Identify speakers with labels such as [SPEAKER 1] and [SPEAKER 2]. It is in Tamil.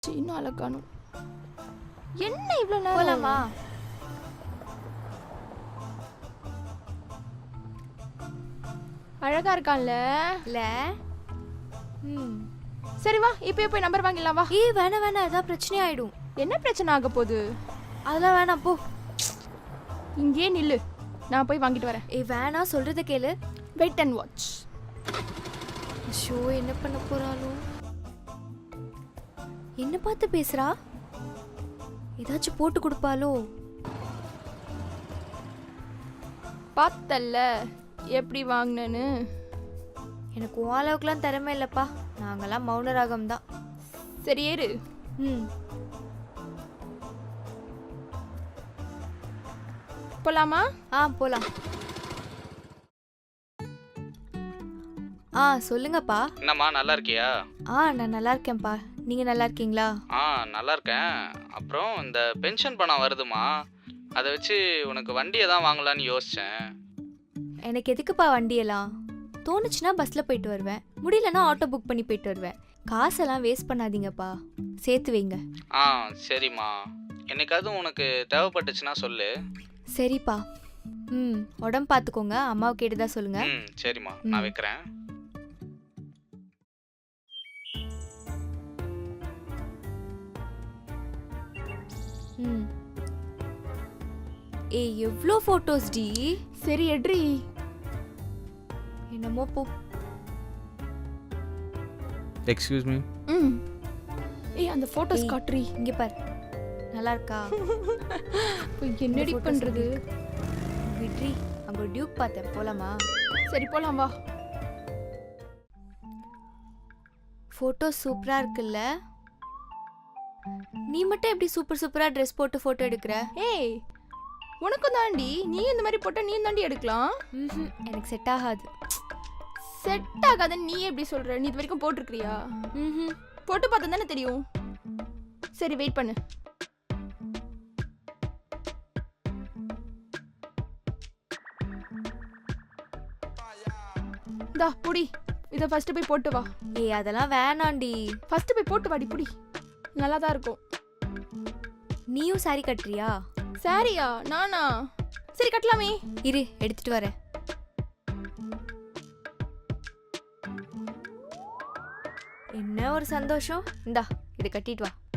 [SPEAKER 1] இன்னும் அழகானும் என்ன இவ்வளவு நேரம்
[SPEAKER 2] போலாமா?
[SPEAKER 1] அழகா இருக்கான்ல
[SPEAKER 2] இல்ல
[SPEAKER 1] சரி வா இப்பயே போய் நம்பர் வாங்கிடலாம் வா.
[SPEAKER 2] ஏய் வேணாம் வேணாம், ஏதாவது பிரச்சனை ஆயிடும்.
[SPEAKER 1] என்ன பிரச்சனை ஆக போகுது?
[SPEAKER 2] அதெல்லாம் வேணாம் போ.
[SPEAKER 1] இங்கேயே நில்லு, நான் போய் வாங்கிட்டு வரேன்.
[SPEAKER 2] ஏய் வேணாம், சொல்றத கேளு.
[SPEAKER 1] Wait and watch.
[SPEAKER 2] ஷோ என்ன பண்ண போறாளோ? என்ன பார்த்து பேசுறா? ஏதாச்சும் போட்டு கொடுப்பாளோ?
[SPEAKER 1] பார்த்தல்ல எப்படி வாங்கினேன்னு.
[SPEAKER 2] எனக்கு உன் அளவுக்குலாம் திறமை இல்லப்பா, நாங்கெல்லாம் மௌன ராகம் தான்.
[SPEAKER 1] சரி ஏறு. போலாமா?
[SPEAKER 2] போலாம். சொல்லுங்கப்பா.
[SPEAKER 3] என்னம்மா நல்லா இருக்கியா?
[SPEAKER 2] நான் நல்லா இருக்கேன்ப்பா, நீங்க நல்லா இருக்கீங்களா?
[SPEAKER 3] நல்லா இருக்கேன். அப்புறம் இந்த பென்ஷன் பணம் வருதுமா, அதை வச்சு உனக்கு வண்டியை தான் வாங்கலான்னு யோசித்தேன்.
[SPEAKER 2] எனக்கு எதுக்குப்பா வண்டியெல்லாம்? தோணுச்சுன்னா பஸ்ஸில் போயிட்டு வருவேன், முடியலன்னா ஆட்டோ புக் பண்ணி போயிட்டு வருவேன். காசெல்லாம் வேஸ்ட் பண்ணாதீங்கப்பா, சேர்த்து வைங்க.
[SPEAKER 3] சரிம்மா, என்னைக்காவது உனக்கு தேவைப்பட்டுச்சுன்னா சொல்லு.
[SPEAKER 2] சரிப்பா. உடம்பு பார்த்துக்கோங்க, அம்மாவை கேட்டுதா சொல்லுங்க.
[SPEAKER 3] சரிம்மா, நான் வைக்கிறேன்.
[SPEAKER 2] ஏய் எவ்வளோ ஃபோட்டோஸ் டி.
[SPEAKER 1] சரி எட்ரி.
[SPEAKER 2] என்னமோ போ.
[SPEAKER 3] Excuse me.
[SPEAKER 1] ஏய் அந்த போட்டோஸ் காட்ரி.
[SPEAKER 2] இங்க பாரு, நல்லா இருக்கா?
[SPEAKER 1] என்னடி பண்றது?
[SPEAKER 2] விட்ரி, அங்க டியூக் பார்த்தேன், போலாமா?
[SPEAKER 1] சரி போலாம் வா.
[SPEAKER 2] ஃபோட்டோ சூப்பரா இருக்குல்ல? நீ மட்டும் எப்படி சூப்பர் சூப்பரா ட்ரெஸ் போட்டு ஃபோட்டோ எடுக்கிற?
[SPEAKER 1] ஏய் உனக்கும் தாண்டி, நீ இந்த மாதிரி போட்டா நீ தாண்டி எடுக்கலாம்.
[SPEAKER 2] எனக்கு செட் ஆகாது.
[SPEAKER 1] செட் ஆகாதுன்னு நீ எப்படி சொல்ற? நீ இது வரைக்கும் போட்டிருக்கிறியா? போட்டு பார்த்தா தானே தெரியும். சரி வெயிட் பண்ணு. தா புடி, இத ஃபர்ஸ்ட் போய் போட்டு வா.
[SPEAKER 2] ஏய் அதெல்லாம் வேணாண்டி.
[SPEAKER 1] ஃபர்ஸ்ட் போய் போட்டு வாடி, புடி. நல்லா தான் இருக்கும்.
[SPEAKER 2] நீயும் சாரி கட்டுறியா?
[SPEAKER 1] சாரியா? நானா? சரி கட்டலாமே.
[SPEAKER 2] இரு எடுத்துட்டு வரேன். என்ன ஒரு சந்தோஷம். இந்தா இது கட்டிட்டு வா.